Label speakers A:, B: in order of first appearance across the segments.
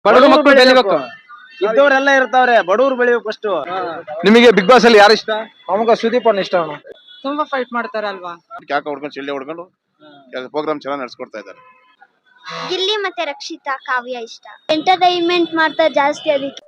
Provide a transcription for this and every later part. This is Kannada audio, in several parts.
A: ಬಡವರು ಮಕ್ಕಳು ಬೆಳಿಬೇಕು.
B: ಇದ್ದವರೆಲ್ಲ ಇರ್ತಾವ್ರೆ, ಬಡವರು ಬೆಳಿಬೇಕು ಫಸ್ಟ್.
A: ನಿಮಗೆ ಬಿಗ್ ಬಾಸ್ ಅಲ್ಲಿ ಯಾರು ಇಷ್ಟ?
C: ನಮಗ ಸುದೀಪ್ ಅಣ್ಣ ಇಷ್ಟ ಅಣ್ಣ.
D: ತುಂಬಾ ಫೈಟ್ ಮಾಡ್ತಾರಲ್ವಾ.
E: ಕ್ಯಾಕ ಹೊಡ್ಕೊಂಡು ಚಿಳ್ಳೆ ಹೊಡ್ಕೊಂಡು ಪ್ರೋಗ್ರಾಮ್ ಚೆನ್ನಾಗಿ ನಡ್ಸ್ಕೊಡ್ತಾ ಇದ್ದಾರೆ.
F: ಗಿಲ್ಲಿ ಮತ್ತೆ ರಕ್ಷಿತಾ, ಕಾವ್ಯ ಇಷ್ಟ. ಎಂಟರ್ಟೈನ್ಮೆಂಟ್ ಮಾಡ್ತಾರೆ ಜಾಸ್ತಿ ಅದಕ್ಕೆ.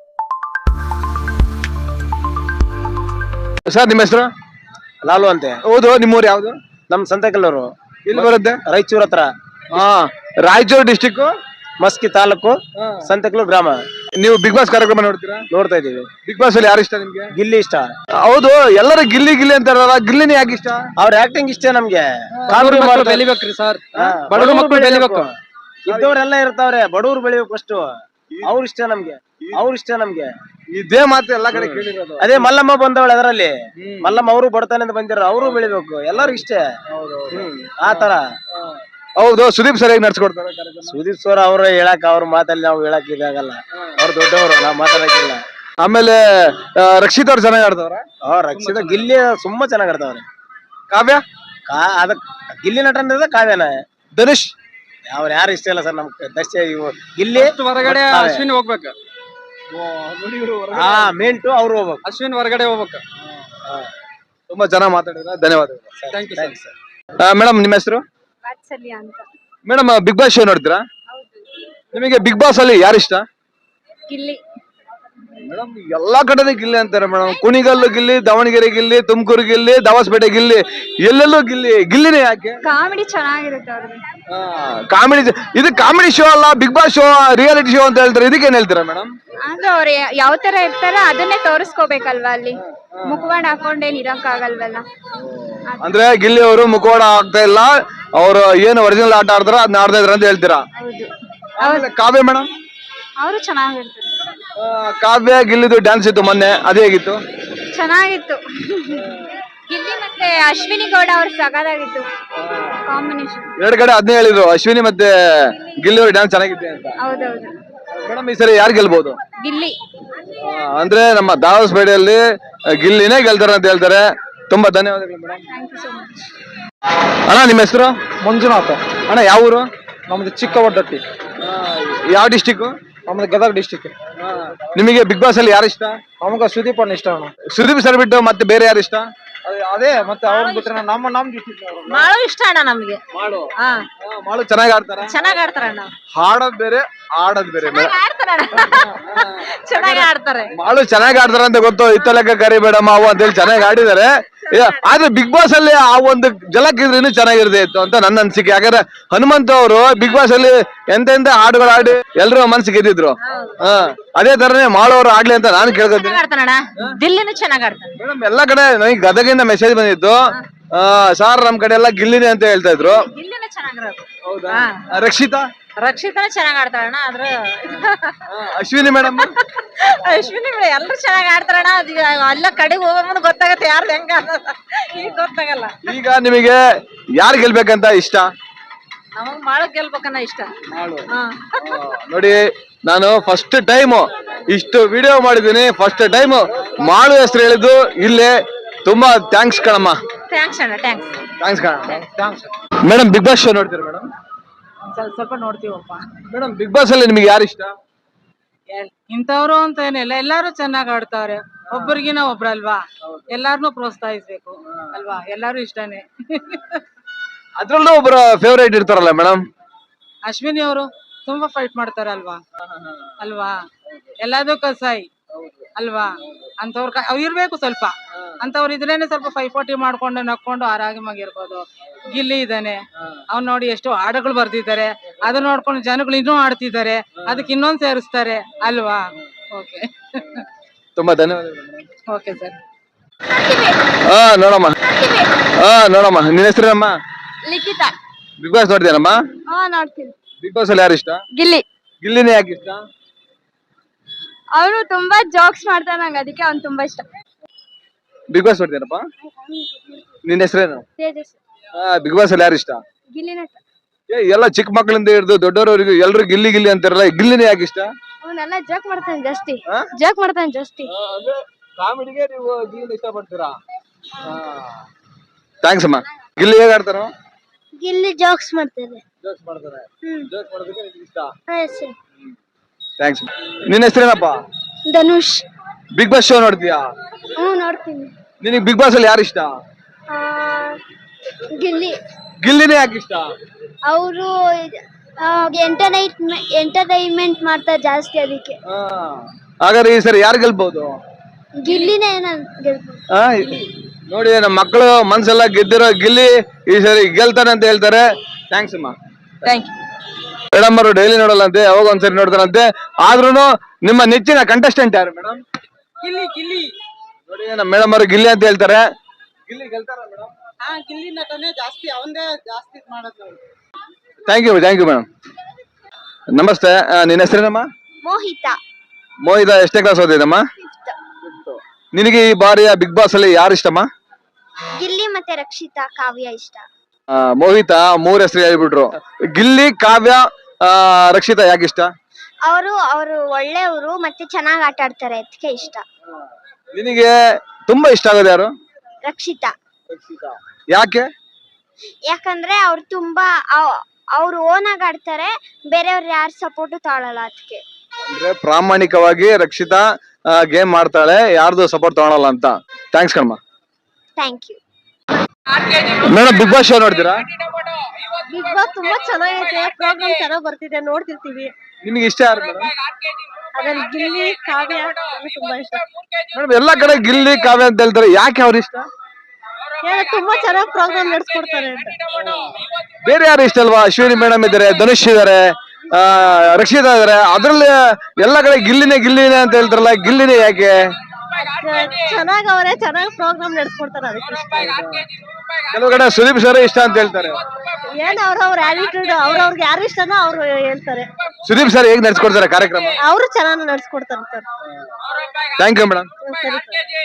A: ಸರ್ ನಿಮ್ಮ ಹೆಸರು?
B: ಲಾಲು ಅಂತೆ.
A: ಹೌದು, ನಿಮ್ಮೂರು ಯಾವ್ದು?
B: ನಮ್ ಸಂತೆಕಲ್ಲೂರು.
A: ಇಲ್ಲಿ ಬರುತ್ತೆ?
B: ರಾಯಚೂರ್ ಹತ್ರ.
A: ಹಾ, ರಾಯಚೂರು ಡಿಸ್ಟಿಕ್,
B: ಮಸ್ಕಿ ತಾಲೂಕು, ಸಂತೆಕಲ್ಲೂರು ಗ್ರಾಮ.
A: ನೀವು ಬಿಗ್ ಬಾಸ್ ಕಾರ್ಯಕ್ರಮ ನೋಡ್ತೀರಾ?
B: ನೋಡ್ತಾ ಇದೀವಿ.
A: ಬಿಗ್ ಬಾಸ್ ಅಲ್ಲಿ ಯಾರು ಇಷ್ಟ ನಿಮ್ಗೆ?
B: ಗಿಲ್ಲಿ ಇಷ್ಟ.
A: ಹೌದು, ಎಲ್ಲರೂ ಗಿಲ್ಲಿ ಗಿಲ್ಲಿ ಅಂತಾರಲ್ಲ, ಗಿಲ್ಲಿನೇ ಯಾಕೆ ಇಷ್ಟ?
B: ಅವ್ರ ಆಕ್ಟಿಂಗ್ ಇಷ್ಟ ನಮ್ಗೆ.
C: ಬಡವರು ಮಕ್ಕಳು ಬೆಳಿಬೇಕ್ರಿ ಸರ್, ಬಡವರು ಮಕ್ಕಳು ಬೆಳಿಬೇಕು.
B: ಇದ್ದವರೆಲ್ಲ ಇರ್ತಾವ್ರೆ, ಬಡವರು ಬೆಳಿಬೇಕು ಫಸ್ಟ್. ಅವ್ರ ಇಷ್ಟ ನಮ್ಗೆ, ಅವ್ರ ಇಷ್ಟ ನಮ್ಗೆ.
A: ಇದೇ ಮಾತು ಎಲ್ಲಾ ಕಡೆ ಕೇಳಿರೋದು.
B: ಅದೇ ಮಲ್ಲಮ್ಮ ಬಂದವಳೆ ಅದರಲ್ಲಿ. ಮಲ್ಲಮ್ಮ ಅವರು ಬಡತಾನೆ ಅಂತ ಬಂದಿರೋ, ಅವರು ಬೆಳಿಬೇಕು, ಎಲ್ಲರೂ ಇಷ್ಟ. ಆತರ.
A: ಹೌದು, ಸುದೀಪ್ ಸರಿಯಾಗಿ ನಡ್ಸ್ಕೊಡ್ತಾರೆ ಕಾರ್ಯಕ್ರಮ.
B: ಸುದೀಪ್ ಸರ್ ಅವ್ರ ಹೇಳಕ್, ಅವ್ರ ಮಾತಲ್ಲಿ ನಾವು ಹೇಳಕ್ ಇದಾಗಲ್ಲ. ಅವ್ರು ದೊಡ್ಡವರು, ನಾವ್ ಮಾತಾಡಕ್ಕಿಲ್ಲ.
A: ಆಮೇಲೆ ರಕ್ಷಿತ್ ಅವ್ರು ಚೆನ್ನಾಗಿ ಆಡ್ತವ್ರ?
B: ರಕ್ಷಿತ ಗಿಲ್ಲಿ ತುಂಬಾ ಚೆನ್ನಾಗ್ ಆಡ್ತಾವ್ರೆ.
A: ಕಾವ್ಯ?
B: ಅದ ಗಿಲ್ಲಿ ನಟನ ಕಾವ್ಯನ.
A: ಧನುಷ್?
B: ಅವ್ರ ಯಾರು ಇಷ್ಟ ಇಲ್ಲ ಸರ್ ನಮ್ಗೆ. ದರ್ಶಿ ಗಿಲ್ಲಿ
C: ಹೊರಗಡೆ ಅಶ್ವಿನ್ ಹೋಗ್ಬೇಕು.
B: ಮೇಂಟು ಅವ್ರು ಹೋಗ್ಬೇಕು.
C: ಅಶ್ವಿನ್ ಹೊರಗಡೆ ಹೋಗ್ಬೇಕು.
A: ತುಂಬಾ ಚೆನ್ನಾಗಿ ಮಾತಾಡಿದ್ರ, ಧನ್ಯವಾದಗಳು.
C: Thank you sir.
A: ಮೇಡಮ್ ನಿಮ್ಮ ಹೆಸರು?
F: ವಾತ್ಸಲ್ಯ ಅಂತ.
A: ಮೇಡಮ್ ಬಿಗ್ ಬಾಸ್ ಶೋ ನೋಡ್ತೀರಾ? ನಿಮಗೆ ಬಿಗ್ ಬಾಸ್ ಅಲ್ಲಿ ಯಾರು ಇಷ್ಟ?
F: ಗಿಲ್ಲಿ.
A: ಮೇಡಮ್ ಎಲ್ಲಾ ಕಡೆ ಗಿಲ್ಲಿ ಅಂತಾರೆ ಮೇಡಮ್. ಕುಣಿಗಲ್ಲು ಗಿಲ್ಲಿ, ದಾವಣಗೆರೆ ಗಿಲ್ಲಿ, ತುಮಕೂರು ಗಿಲ್ಲಿ, ದಾವಸ್ಪೇಟೆ ಗಿಲ್ಲಿ, ಎಲ್ಲೆಲ್ಲೂ ಗಿಲ್ಲಿ. ಗಿಲ್ಲಿನೇ ಯಾಕೆ?
F: ಕಾಮಿಡಿ ಚೆನ್ನಾಗಿರುತ್ತೆ ಅವ್ರಿಗೆ.
A: ಕಾಮಿಡಿ. ಇದು ಕಾಮಿಡಿ ಶೋ ಅಲ್ಲ, Bigg Boss show, reality show ಅಂತ ಹೇಳ್ತಾರೆ. ಇದಕ್ಕೆ ಏನ್ ಹೇಳ್ತೀರಾ ಮೇಡಮ್?
F: ಅಂದ್ರೆ ಅವ್ರು ಯಾವ ತರ ಇರ್ತಾರ ಅದನ್ನೇ ತೋರಿಸ್ಕೋಬೇಕಲ್ವಾ ಅಲ್ಲಿ. ಮುಖವಾಡ ಹಾಕೊಂಡೇನ್ ಇರಕ್ ಆಗಲ್ವಲ್ಲ.
A: ಅಂದ್ರೆ ಗಿಲ್ಲಿ ಅವರು ಮುಖವಾಡ ಆಗ್ತಾ ಇಲ್ಲ, ಅವರು ಏನು ಒರಿಜಿನಲ್ ಆಟ ಆಡ್ತಾರ ಅದನ್ನ ಆಡ್ತಾ ಇದ್ರ ಅಂತ ಹೇಳ್ತೀರಾ?
F: ಹೌದು.
A: ಕಾವ್ಯ ಮೇಡಮ್?
F: ಅವರು ಚೆನ್ನಾಗಿರ್ತಾರೆ.
A: ಕಾವ್ಯ ಗಿಲ್ಲಿದು ಡ್ಯಾನ್ಸ್ ಇತ್ತು ಮೊನ್ನೆ, ಅದೇ ಹೇಗಿತ್ತು?
F: ಚೆನ್ನಾಗಿತ್ತು. ಗಿಲ್ಲಿ ಮತ್ತೆ ಅಶ್ವಿನಿ ಗೌಡ ಅವ್ರ ಸಗದಾಗಿತ್ತು ಕಾಂಬಿನೇಷನ್.
A: ಎರಡು ಕಡೆ ಅದನ್ನೇ ಹೇಳಿದ್ರು, ಅಶ್ವಿನಿ ಮತ್ತೆ ಗಿಲ್ಲಿ ಅವ್ರ ಡ್ಯಾನ್ಸ್ ಚೆನ್ನಾಗಿದೆ ಅಂತ.
F: ಹೌದೌದು.
A: ಮೇಡಮ್ ಈ ಸರಿ ಯಾರು ಗೆಲ್ಬಹುದು?
F: ಗಿಲ್ಲಿ.
A: ಅಂದ್ರೆ ನಮ್ಮ ದಾವಸ್ಪೇಟೆಯಲ್ಲಿ ಗಿಲ್ಲಿನೇ ಗೆಲ್ತಾರೆ ಅಂತ ಹೇಳ್ತಾರೆ. ತುಂಬಾ ಧನ್ಯವಾದಗಳು madam.
F: Thank you so much.
A: ಅಣ್ಣ ನಿಮ್ಮ ಹೆಸರು?
C: ಮಂಜುನಾಥ.
A: ಅಣ್ಣ ಯಾವ ಊರು?
C: ನಮ್ದು ಚಿಕ್ಕವಡ್ಡಟ್ಟಿ.
A: ಯಾವ ಡಿಸ್ಟಿಕ್?
C: ನಮ್ದು ಗದಗ ಡಿಸ್ಟಿಕ್.
A: ನಿಮಗೆ ಬಿಗ್ ಬಾಸ್ ಅಲ್ಲಿ ಯಾರು ಇಷ್ಟ?
C: ನಮಗ ಸುದೀಪ್ ಅಣ್ಣ ಇಷ್ಟ ಅಣ್ಣ.
A: ಸುದೀಪ್ ಸರ್ ಬಿಟ್ಟು ಮತ್ತೆ ಬೇರೆ ಯಾರು ಇಷ್ಟ?
C: ಅದೇ ಮತ್ತೆ ಅವ್ರ ಬಿಟ್ರೆ ನಮ್ ಡಿಸ್ಟಿಕ್
D: ಮಾಡು ಇಷ್ಟ ಅಣ್ಣ ನಮ್ಗೆ.
A: ಮಾಡು ಚೆನ್ನಾಗಿ ಆಡ್ತಾರ?
D: ಚೆನ್ನಾಗ್ ಆಡ್ತಾರಣ್ಣ.
A: ಹಾಡೋದ್ ಬೇರೆ, ಆಡೋದ್ ಬೇರೆ.
D: ಚೆನ್ನಾಗಿ ಆಡ್ತಾರೆ.
A: ಮಾಡು ಚೆನ್ನಾಗಿ ಆಡ್ತಾರ ಅಂತ ಗೊತ್ತು, ಇತ್ತಲೆಕ್ಕ ಕರಿಬೇಡ ಮಾವು ಅಂತ ಹೇಳಿ ಚೆನ್ನಾಗಿ ಆಡಿದ್ದಾರೆ. ಆದ್ರೆ ಬಿಗ್ ಬಾಸ್ ಅಲ್ಲಿ ಆ ಒಂದು ಜಲಕ್ ಇದ್ರೆ ಇನ್ನೂ ಚೆನ್ನಾಗಿರದೆ ಇತ್ತು ಅಂತ ನನ್ನ ಅನ್ಸಿಕೆ. ಯಾಕಂದ್ರೆ ಹನುಮಂತ ಅವರು ಬಿಗ್ ಬಾಸ್ ಅಲ್ಲಿ ಎಂತೆಂತ ಹಾಡುಗಳು ಆಡಿ ಎಲ್ರು ಮನ್ಸಿಗೆ ಗೆದ್ದಿದ್ರು. ಅದೇ ತರನೇ ಮಾಡೋರು ಆಡ್ಲಿ ಅಂತ ನಾನು ಕೇಳ್ಕೊತೀನಿ.
D: ದಿಲ್ಲಿನೂ ಚೆನ್ನಾಗ್ ಆಡ್ತಾನೆ
A: ಮೇಡಮ್. ಎಲ್ಲಾ ಕಡೆ ನನಗೆ ಗದಗಿಂದ ಮೆಸೇಜ್ ಬಂದಿತ್ತು, ಸಾರ್ ನಮ್ ಕಡೆ ಎಲ್ಲ ಗಿಲ್ಲಿನೇ ಅಂತ ಹೇಳ್ತಾ ಇದ್ರು.
D: ದಿಲ್ಲಿನೂ ಚೆನ್ನಾಗಿರೋದು.
A: ರಕ್ಷಿತಾ?
D: ರಕ್ಷಿತಾನು ಚೆನ್ನಾಗ್ ಆಡ್ತಾರಣ್ಣ. ಆದ್ರೆ
A: ಅಶ್ವಿನಿ ಮೇಡಮ್?
D: ಅಶ್ವಿನಿ ಎಲ್ಲರೂ ಚೆನ್ನಾಗ್ ಆಡ್ತಾರಣ್ಣ. ಅದು ಎಲ್ಲ ಕಡೆಗೆ ಹೋಗೋ ಮುಂದೆ ಗೊತ್ತಾಗತ್ತೆ ಯಾರ್ದು ಹೆಂಗ ಈಗ ಗೊತ್ತಾಗಲ್ಲ.
A: ಈಗ ನಿಮಗೆ ಯಾರು ಗೆಲ್ಬೇಕಂತ ಇಷ್ಟ?
D: ನಮಗ್ ಮಾಡು ಗೆಲ್ಬೇಕನ್ನ ಇಷ್ಟ.
A: ನೋಡಿ, ನಾನು ಫಸ್ಟ್ ಟೈಮ್ ಇಷ್ಟು ವಿಡಿಯೋ ಮಾಡಿದ್ದೀನಿ. ಫಸ್ಟ್ ಟೈಮ್ ಮಾಡು ಹೆಸರು ಹೇಳಿದ್ದು ಇಲ್ಲೇ. ತುಂಬಾ ಥ್ಯಾಂಕ್ಸ್ ಕಣಮ್ಮ.
D: ಥ್ಯಾಂಕ್ಸ್ ಅಣ್ಣ.
A: ಥ್ಯಾಂಕ್ಸ್ ಕಣ. ಮೇಡಮ್ ಬಿಗ್ ಬಾಸ್ ಶೋ ನೋಡ್ತೀರಾ ಮೇಡಮ್?
D: ಸ್ವಲ್ಪ ನೋಡ್ತೀವಪ್ಪ.
A: ಮೇಡಮ್ ಬಿಗ್ ಬಾಸ್ ಅಲ್ಲಿ ನಿಮಗೆ ಯಾರು ಇಷ್ಟ?
D: ಇಂಥವ್ರು ಅಂತ ಏನಿಲ್ಲ, ಎಲ್ಲಾರು ಚೆನ್ನಾಗ್ ಆಡ್ತಾವ್ರೆ. ಒಬ್ಬರಿಗಿನ ಒಬ್ರಲ್ವಾ, ಎಲ್ಲಾರನು ಪ್ರೋತ್ಸಾಹಿಸ್ಬೇಕು ಅಲ್ವಾ. ಎಲ್ಲಾರು ಇಷ್ಟನೇ.
A: ಅದ್ರಲ್ಲೂ ಒಬ್ಬರ ಫೇವರೇಟ್ ಇರ್ತಾರಲ್ಲ ಮೇಡಮ್?
D: ಅಶ್ವಿನಿ ಅವರು ತುಂಬಾ ಫೈಟ್ ಮಾಡ್ತಾರಲ್ವಾ ಅಲ್ವಾ. ಎಲ್ಲದಕ್ಕೂ ಸಾಯಿ ಅಲ್ವಾ. ಅಂತವ್ರ ಇರ್ಬೇಕು ಸ್ವಲ್ಪ. ಅಂತವ್ರು ಇದ್ರೇನೆ ಸ್ವಲ್ಪ ಪೈಪೋಟಿ ಮಾಡ್ಕೊಂಡು ನಕ್ಕೊಂಡು ಆರಾಮಾಗಿರ್ಬೋದು. ಗಿಲ್ಲಿ ಇದ್ದಾನೆ, ಅವ್ನ್ ನೋಡಿ ಎಷ್ಟು ಹಾಡುಗಳು ಬರ್ದಿದ್ದಾರೆ. ಅದನ್ನ ನೋಡ್ಕೊಂಡು ಜನಗಳು ಇನ್ನೂ ಆಡ್ತಿದ್ದಾರೆ, ಅದಕ್ಕೆ ಇನ್ನೊಂದ್ ಸೇರಿಸ್ತಾರೆ ಅಲ್ವಾ. ಓಕೆ.
A: ತುಂಬಾ ಧನ್ಯವಾದಗಳು.
D: Okay sir.
A: ನೋಡಮ್ಮ. ನೋಡಮ್ಮ, ನಿನ್ನ ಹೆಸರೇನಮ್ಮ?
F: ಲಿಖಿತಾ.
A: ಬಿಗ್ ಬಾಸ್ ನೋಡ್ತೀನಮ್ಮ?
F: ನೋಡ್ತೀನಿ.
A: ಬಿಗ್ ಬಾಸ್ ಅಲ್ಲಿ ಯಾರು ಇಷ್ಟ?
F: ಗಿಲ್ಲಿ.
A: ಗಿಲ್ಲಿನೇ ಯಾಕೆ ಇಷ್ಟ?
F: ಅವನು ತುಂಬಾ ಜೋಕ್ಸ್ ಮಾಡ್ತಾನೆ, ನಂಗೆ ಅದಕ್ಕೆ ಅವ್ನು ತುಂಬಾ ಇಷ್ಟ.
A: ಬಿಗ್ ಬಾಸ್ ನೋಡ್ತೀನಪ್ಪ. ನಿನ್ನ ಹೆಸರೇನು?
F: ತೇಜಸ್.
A: ಬಿಗ್ ಬಾಸ್ ಅಲ್ಲಿ ಯಾರು ಇಷ್ಟ?
F: ಗಿಲ್ಲಿ ನಟ.
A: ಎಲ್ಲ ಚಿಕ್ಕ ಮಕ್ಕಳಿಂದ ಹಿಡಿದು ದೊಡ್ಡವರವರೆಗೂ ಎಲ್ರು ಗಿಲ್ಲಿ ಗಿಲ್ಲಿ ಅಂತಾರಲ್ಲ, ಗಿಲ್ಲಿನೇ ಯಾಕೆ ಇಷ್ಟ?
F: ಅವನೆಲ್ಲ ಜೋಕ್ ಮಾಡ್ತಾನೆ ಜಾಸ್ತಿ. ಜೋಕ್ ಮಾಡ್ತಾನೆ ಜಾಸ್ತಿ.
A: ಕಾಮಿಡಿಗೆ ನೀವು ಗಿಲ್ಲಿ ಇಷ್ಟ ಪಡ್ತೀರಾ? ಥ್ಯಾಂಕ್ಸ್ ಅಮ್ಮ. ಗಿಲ್ಲಿ ಹೇಗೆ ಆಡ್ತಾರೋ?
F: ಗಿಲ್ಲಿ ಜೋಕ್ಸ್ ಮಾಡ್ತಾರೆ.
A: ಜೋಕ್ಸ್ ಮಾಡ್ತಾರೆ. ಜೋಕ್ಸ್ ಮಾಡೋದಕ್ಕೆ ನಿಮಗೆ ಇಷ್ಟ? ಥ್ಯಾಂಕ್ಸ್. ನಿನ್ನ ಹೆಸರೇನಪ್ಪ?
F: ಧನುಷ್.
A: ಬಿಗ್ ಬಾಸ್ ಶೋ ನೋಡ್ತೀಯಾ?
F: ನೋಡ್ತೀನಿ.
A: ನಿನಗೆ ಬಿಗ್ ಬಾಸ್ ಅಲ್ಲಿ ಯಾರು ಇಷ್ಟ?
F: ಗಿಲ್ಲಿ.
A: ಗಿಲ್ಲಿನೇ ಯಾಕೆ ಇಷ್ಟ?
F: ಅವರು ಎಂಟರ್ಟೈನ್ಮೆಂಟ್ ಮಾಡ್ತಾರೆ ಜಾಸ್ತಿ, ಅದಕ್ಕೆ.
A: ಹಾಗಾದ್ರೆ ಈ ಸರಿ ಯಾರು ಗೆಲ್ಬಹುದು?
F: ಗಿಲ್ಲಿನೇ ಗೆಲ್ಬೋದು.
A: ನೋಡಿ ನಮ್ಮ ಮಕ್ಕಳು ಮನ್ಸೆಲ್ಲ ಗೆದ್ದಿರೋ ಗಿಲ್ಲಿ ಈ ಸರಿ ಗೆಲ್ತಾನೆ ಅಂತ ಹೇಳ್ತಾರೆ. ಥ್ಯಾಂಕ್ಸ್ ಅಮ್ಮ.
D: Thank you.
A: ಮೇಡಮ್ ಅವರು ಡೈಲಿ ನೋಡಲ್ಲಂತೆ, ಯಾವಾಗ ಒಂದ್ಸರಿ ನೋಡ್ತಾರಂತೆ. ಆದ್ರೂ ನಿಮ್ಮ ನೆಚ್ಚಿನ ಕಂಟೆಸ್ಟೆಂಟ್ ಯಾರು ಮೇಡಮ್?
D: ಗಿಲ್ಲಿ ಗಿಲ್ಲಿ.
A: ನೋಡಿ ನಮ್ಮ ಮೇಡಮ್ ಅವರು ಗಿಲ್ಲಿ ಅಂತ ಹೇಳ್ತಾರೆ. ಗಿಲ್ಲಿ ಗೆಲ್ತಾರ ಮೇಡಮ್?
D: ಗಿಲ್ಲಿ ನಟನೆ ಜಾಸ್ತಿ, ಅವಂದೇ ಜಾಸ್ತಿ ಮಾಡೋದು.
A: Thank you madam. ನಮಸ್ತೆ, ನಿನ್ನ ಹೆಸರೇನಮ್ಮ?
F: ಮೋಹಿತ.
A: ಮೋಹಿತ ಎಷ್ಟೇ ಕ್ಲಾಸ್ ಓದಿದಮ್ಮ? ನಿನಗೆ ಈ ಬಾರಿಯ ಬಿಗ್ ಬಾಸ್ ಅಲ್ಲಿ ಯಾರು ಇಷ್ಟಮ್ಮ?
F: ಗಿಲ್ಲಿ ಮತ್ತೆ ರಕ್ಷಿತಾ, ಕಾವ್ಯ ಇಷ್ಟ.
A: ಮೋಹಿತ 3 ಹೆಸರು ಹೇಳ್ಬಿಟ್ರು. ಗಿಲ್ಲಿ, ಕಾವ್ಯ, ರಕ್ಷಿತಾ ಯಾಕೆ ಇಷ್ಟ?
F: ಅವರು ಒಳ್ಳೆಯವರು ಮತ್ತೆ ಚೆನ್ನಾಗಿ ಆಟ ಆಡ್ತಾರೆ, ಅದಕ್ಕೆ ಇಷ್ಟ.
A: ನಿನಗೆ ತುಂಬಾ ಇಷ್ಟ ಆಗೋದು ಯಾರು?
F: ರಕ್ಷಿತಾ.
A: ಯಾಕೆ?
F: ಯಾಕಂದ್ರೆ ಅವ್ರು ತುಂಬಾ ಅವ್ರು ಓನ್ ಆಗಿ ಆಡ್ತಾರೆ, ಬೇರೆಯವ್ರು ಯಾರು ಸಪೋರ್ಟ್ ತಾಳಲ್ಲ, ಅದಕ್ಕೆ.
A: ಅಂದ್ರೆ ಪ್ರಾಮಾಣಿಕವಾಗಿ ರಕ್ಷಿತಾ ಗೇಮ್ ಮಾಡ್ತಾಳೆ, ಯಾರ್ದು ಸಪೋರ್ಟ್ ತಗೊಳಲ್ಲ ಅಂತ. ಥ್ಯಾಂಕ್ಸ್ ಕಣಮ್ಮ.
F: Thank you.
A: Madam Bigg Boss show ನೋಡ್ತೀರಾ?
F: ಬಿಗ್ ಬಾಸ್ ತುಂಬಾ ಚೆನ್ನಾಗೈತೆ, ಪ್ರೋಗ್ರಾಮ್ ಚೆನ್ನಾಗಿ ಬರ್ತಿದೆ, ನೋಡ್ತಿರ್ತೀವಿ.
A: ನಿಮ್ಗೆ ಇಷ್ಟ ಯಾರು ಮೇಡಮ್?
F: ಅದ್ರಲ್ಲಿ ಗಿಲ್ಲಿ, ಕಾವ್ಯ ತುಂಬಾ ಇಷ್ಟ.
A: ಮೇಡಮ್ ಎಲ್ಲಾ ಕಡೆ ಗಿಲ್ಲಿ, ಕಾವ್ಯ ಅಂತ ಹೇಳ್ತಾರೆ, ಯಾಕೆ ಅವ್ರ ಇಷ್ಟ?
F: ತುಂಬಾ ಚೆನ್ನಾಗಿ ಪ್ರೋಗ್ರಾಮ್ ನಡೆಸ್ಕೊಡ್ತಾರೆ ಅಂತ.
A: ಬೇರೆ ಯಾರು ಇಷ್ಟ ಅಲ್ವಾ? ಅಶ್ವಿನಿ ಮೇಡಮ್ ಇದಾರೆ, ಧನುಷ್ ಇದಾರೆ, ರಕ್ಷಿತಾ ಇದಾರೆ. ಅದ್ರಲ್ಲಿ ಎಲ್ಲಾ ಕಡೆ ಗಿಲ್ಲಿನೇ ಅಂತ ಹೇಳ್ತಾರಲ್ಲ, ಗಿಲ್ಲಿನೇ ಯಾಕೆ?
F: ಚೆನ್ನಾಗಿ ಅವರೇ ಚೆನ್ನಾಗಿ ಪ್ರೋಗ್ರಾಮ್ ನಡೆಸ್ಕೊಡ್ತಾರೆ, ಅದಕ್ಕೆ ಇಷ್ಟ.
A: ಕೆಲವು ಕಡೆ ಸುದೀಪ್ ಸರ್ ಇಷ್ಟ ಅಂತ ಹೇಳ್ತಾರೆ.
F: ಏನ್ ಅವ್ರವ್ರ ಆಟಿಟ್ಯೂಡ್, ಅವ್ರವ್ರಿಗೆ ಯಾರು ಇಷ್ಟನೋ ಅವ್ರು ಹೇಳ್ತಾರೆ.
A: ಸುದೀಪ್ ಸರ್ ಹೇಗ್ ನಡ್ಸ್ಕೊಡ್ತಾರೆ ಕಾರ್ಯಕ್ರಮ?
F: ಅವರು ಚೆನ್ನಾಗಿ ನಡೆಸ್ಕೊಡ್ತಾರೆ ಸರ್.
A: Thank you madam.
F: ಸರಿ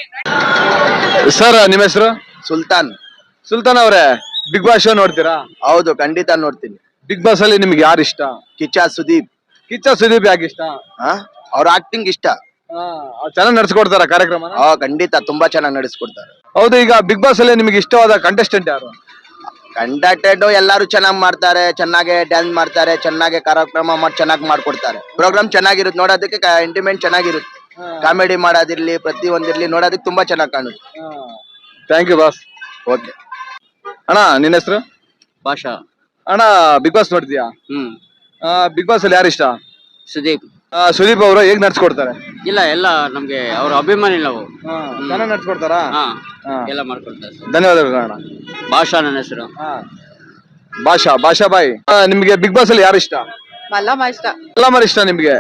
A: ಸರ್ ನಿಮ್ಮ ಹೆಸರು?
B: ಸುಲ್ತಾನ್.
A: ಸುಲ್ತಾನ್ ಅವರೇ, ಬಿಗ್ ಬಾಸ್ ಶೋ ನೋಡ್ತೀರಾ?
B: ಹೌದು, ಖಂಡಿತ ನೋಡ್ತೀನಿ.
A: ಬಿಗ್ ಬಾಸ್ ಅಲ್ಲಿ ನಿಮ್ಗೆ ಯಾರು ಇಷ್ಟ?
B: ಕಿಚ್ಚ ಸುದೀಪ್.
A: ಕಿಚ್ಚ ಸುದೀಪ್ ಯಾಕೆ ಇಷ್ಟ?
B: ಅವ್ರ ಆಕ್ಟಿಂಗ್ ಇಷ್ಟ.
A: ಚೆನ್ನಾಗಿ ನಡ್ಸ್ಕೊಡ್ತಾರ ಕಾರ್ಯಕ್ರಮ?
B: ಖಂಡಿತ ತುಂಬಾ ಚೆನ್ನಾಗಿ ನಡೆಸ್ಕೊಡ್ತಾರೆ.
A: ಹೌದು, ಈಗ ಬಿಗ್ ಬಾಸ್ ಅಲ್ಲಿ ನಿಮ್ಗೆ ಇಷ್ಟವಾದ ಕಂಟೆಸ್ಟೆಂಟ್ ಯಾರು?
B: ಕಂಡಕ್ಟೆಡ್ ಎಲ್ಲಾರು ಚೆನ್ನಾಗಿ ಮಾಡ್ತಾರೆ, ಚೆನ್ನಾಗಿ ಡ್ಯಾನ್ಸ್ ಮಾಡ್ತಾರೆ, ಚೆನ್ನಾಗಿ ಕಾರ್ಯಕ್ರಮ ಮಾಡಿ ಚೆನ್ನಾಗಿ ಮಾಡ್ಕೊಡ್ತಾರೆ. ಪ್ರೋಗ್ರಾಮ್ ಚೆನ್ನಾಗಿರುತ್ತೆ, ನೋಡೋದಕ್ಕೆ ಎಂಟರ್ಟೈನ್ಮೆಂಟ್ ಚೆನ್ನಾಗಿರುತ್ತೆ. ಕಾಮಿಡಿ ಮಾಡೋದಿರ್ಲಿ, ಪ್ರತಿ ಒಂದಿರ್ಲಿ, ನೋಡೋದಕ್ಕೆ ತುಂಬಾ ಚೆನ್ನಾಗಿ ಕಾಣುತ್ತೆ.
A: Thank you boss.
B: ಓಕೆ
A: ಅಣ್ಣ ನಿನ್ನ ಹೆಸರು?
C: ಭಾಷಾ.
A: ಅಣ್ಣ ಬಿಗ್ ಬಾಸ್ ನೋಡ್ತೀಯಾ? ಬಿಗ್ ಬಾಸ್ ಅಲ್ಲಿ ಯಾರು ಇಷ್ಟ?
C: ಸುದೀಪ್.
A: ಸುದೀಪ್ ಅವರು ಹೇಗ್ ನಡ್ಸ್ಕೊಡ್ತಾರೆ?
C: ಇಲ್ಲ, ಎಲ್ಲ ನಮ್ಗೆ ಅವ್ರ ಅಭಿಮಾನಿ ನಾವು.
A: ಚೆನ್ನಾಗಿ ನಡ್ಸ್ಕೊಡ್ತಾರಾ?
C: ಎಲ್ಲ ಮಾಡ್ಕೊಡ್ತಾರೆ.
A: ಧನ್ಯವಾದಗಳು ಅಣ್ಣ.
C: ಭಾಷಾ ನನ್ನ ಹೆಸರು.
A: ಭಾಷಾ ಬಾಯ್, ನಿಮ್ಗೆ ಬಿಗ್ ಬಾಸ್ ಅಲ್ಲಿ ಯಾರು ಇಷ್ಟ?
D: ಮಲ್ಲಮ್ಮ ಇಷ್ಟ.
A: ಮಲ್ಲಮ್ಮ ಇಷ್ಟ ನಿಮ್ಗೆ?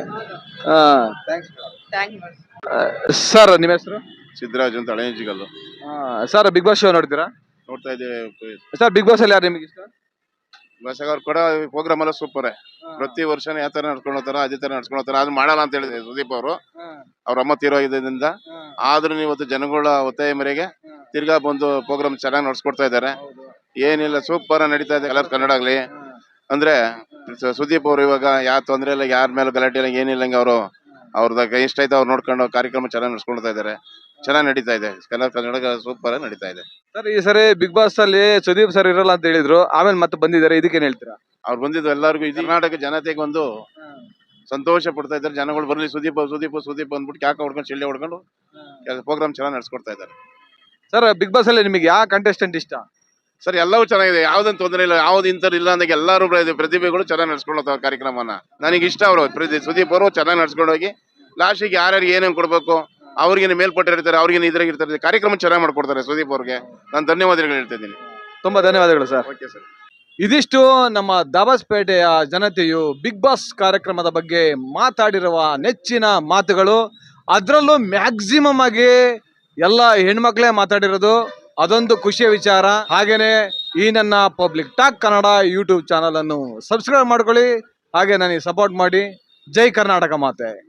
A: ಸರ್ ನಿಮ್ಮ ಹೆಸರು?
E: ಸಿದ್ದರಾಜ್ ಅಂತ ಹಳೆಂಜಿಗಲ್ಲು.
A: ಸರ್ ಬಿಗ್ ಬಾಸ್ ಶೋ ನೋಡ್ತೀರಾ?
E: ನೋಡ್ತಾ ಇದ್ದೇವೆ
A: ಸರ್ ಬಿಗ್ ಬಾಸ್ ಅಲ್ಲಿ ಯಾರು ನಿಮ್ಗೆ ಇಷ್ಟ?
E: ಅವ್ರು ಕೂಡ ಪ್ರೋಗ್ರಾಮ್ ಎಲ್ಲ ಸೂಪರ್. ಪ್ರತಿ ವರ್ಷನೂ ಯಾವ ತರ ನಡ್ಕೊಂಡು ಹೋಗ್ತಾರ ಅದೇ ತರ ನಡ್ಕೊಂಡು ಹೋಗ್ತಾರ. ಅದು ಮಾಡಲ್ಲ ಅಂತ ಹೇಳಿದ್ರು ಸುದೀಪ್ ಅವರು, ಅವ್ರ ಅಮ್ಮ ತೀರೋಗಿದ್ದರಿಂದ. ಆದ್ರೂ ಇವತ್ತು ಜನಗಳ ಒತ್ತಾಯ ಮೇರೆಗೆ ತಿರ್ಗಾ ಬಂದು ಪ್ರೋಗ್ರಾಮ್ ಚೆನ್ನಾಗಿ ನಡ್ಸ್ಕೊಡ್ತಾ ಇದ್ದಾರೆ. ಏನಿಲ್ಲ, ಸೂಪರ್ ನಡೀತಾ ಇದೆ. ಕಲರ್ ಕನ್ನಡ ಆಗ್ಲಿ ಅಂದ್ರೆ ಸುದೀಪ್ ಅವರು ಇವಾಗ ಯಾವ ತೊಂದ್ರೆ ಇಲ್ಲ, ಯಾರ ಮೇಲೆ ಗಲಾಟೆ ಇಲ್ಲ, ಏನಿಲ್ಲ. ಅವ್ರದಾಗ ಇಷ್ಟ ಆಯ್ತು ಅವ್ರು ನೋಡ್ಕೊಂಡು ಕಾರ್ಯಕ್ರಮ ಚೆನ್ನಾಗಿ ನಡ್ಸ್ಕೊಳ್ತಾ ಇದ್ದಾರೆ. ಚೆನ್ನಾಗಿ ನಡೀತಾ ಇದೆ. ಕನ್ನಡ ಸೂಪರ್ ನಡೀತಾ ಇದೆ.
A: ಸರ್ ಈ ಸರಿ ಬಿಗ್ ಬಾಸ್ ಅಲ್ಲಿ ಸುದೀಪ್ ಸರ್ ಇರಲ್ಲ ಅಂತ ಹೇಳಿದ್ರು, ಆಮೇಲೆ ಮತ್ತೆ ಬಂದಿದ್ದಾರೆ, ಇದಕ್ಕೇನ್ ಹೇಳ್ತೀರಾ?
E: ಅವ್ರು ಬಂದಿದ್ದು ಎಲ್ಲರಿಗೂ ಕರ್ನಾಟಕ ಜನತೆಗೆ ಒಂದು ಸಂತೋಷ ಪಡ್ತಾ ಇದ್ದಾರೆ. ಜನಗಳು ಬರ್ಲಿ ಸುದೀಪ್ ಅಂದ್ಬಿಟ್ಟು ಕ್ಯಾಕ ಹೊಡ್ಕೊಂಡು ಚಿಳ್ಳೆ ಹೊಡ್ಕೊಂಡು ಪ್ರೋಗ್ರಾಮ್ ಚೆನ್ನಾಗಿ ನಡ್ಸ್ಕೊಡ್ತಾ ಇದ್ದಾರೆ.
A: ಸರ್ ಬಿಗ್ ಬಾಸ್ ಅಲ್ಲಿ ನಿಮಗೆ ಯಾವ ಕಂಟೆಸ್ಟೆಂಟ್ ಇಷ್ಟ?
E: ಸರ್ ಎಲ್ಲವೂ ಚೆನ್ನಾಗಿದೆ, ಯಾವ್ದನ್ ತೊಂದರೆ ಇಲ್ಲ, ಯಾವ್ದು ಇಂಥದ್ದು ಇಲ್ಲ ಅಂದಾಗ ಎಲ್ಲರೂ ಪ್ರತಿಭೆಗಳು ಚೆನ್ನಾಗಿ ನಡ್ಸ್ಕೊಳ್ಳೋ ಕಾರ್ಯಕ್ರಮನ ನನಗೆ ಇಷ್ಟ. ಅವರು ಸುದೀಪ್ ಅವರು ಚೆನ್ನಾಗಿ ನಡ್ಸ್ಕೊಂಡು ಹೋಗಿ ಲಾಸ್ಟಿಗೆ ಯಾರ್ಯಾರಿಗೆ ಏನೇನು ಕೊಡ್ಬೇಕು, ಅವ್ರಿಗೆ ಮೇಲ್ಪಟ್ಟಿರ್ತಾರೆ, ಅವ್ರಿಗೆ ಇದ್ರಾಗ ಇರ್ತಾರೆ, ಕಾರ್ಯಕ್ರಮ ಚೆನ್ನಾಗಿ ಮಾಡ್ಕೊಡ್ತಾರೆ. ಸುದೀಪ್ ಅವ್ರಿಗೆ ನಾನು ಧನ್ಯವಾದಗಳು ಹೇಳ್ತಾ ಇದ್ದೀನಿ.
A: ತುಂಬಾ ಧನ್ಯವಾದಗಳು ಸರ್.
E: Okay sir.
A: ಇದಿಷ್ಟು ನಮ್ಮ ದಾಬಾಸ್ಪೇಟೆಯ ಜನತೆಯು ಬಿಗ್ ಬಾಸ್ ಕಾರ್ಯಕ್ರಮದ ಬಗ್ಗೆ ಮಾತಾಡಿರುವ ನೆಚ್ಚಿನ ಮಾತುಗಳು. ಅದರಲ್ಲೂ ಮ್ಯಾಕ್ಸಿಮಮ್ ಆಗಿ ಎಲ್ಲ ಹೆಣ್ಮಕ್ಳೇ ಮಾತಾಡಿರೋದು, ಅದೊಂದು ಖುಷಿಯ ವಿಚಾರ. ಹಾಗೇನೆ ಈ ನನ್ನ Public Talk Kannada YouTube channel ಅನ್ನು ಸಬ್ಸ್ಕ್ರೈಬ್ ಮಾಡ್ಕೊಳ್ಳಿ, ಹಾಗೆ ನನಗೆ ಸಪೋರ್ಟ್ ಮಾಡಿ. ಜೈ ಕರ್ನಾಟಕ ಮಾತೆ.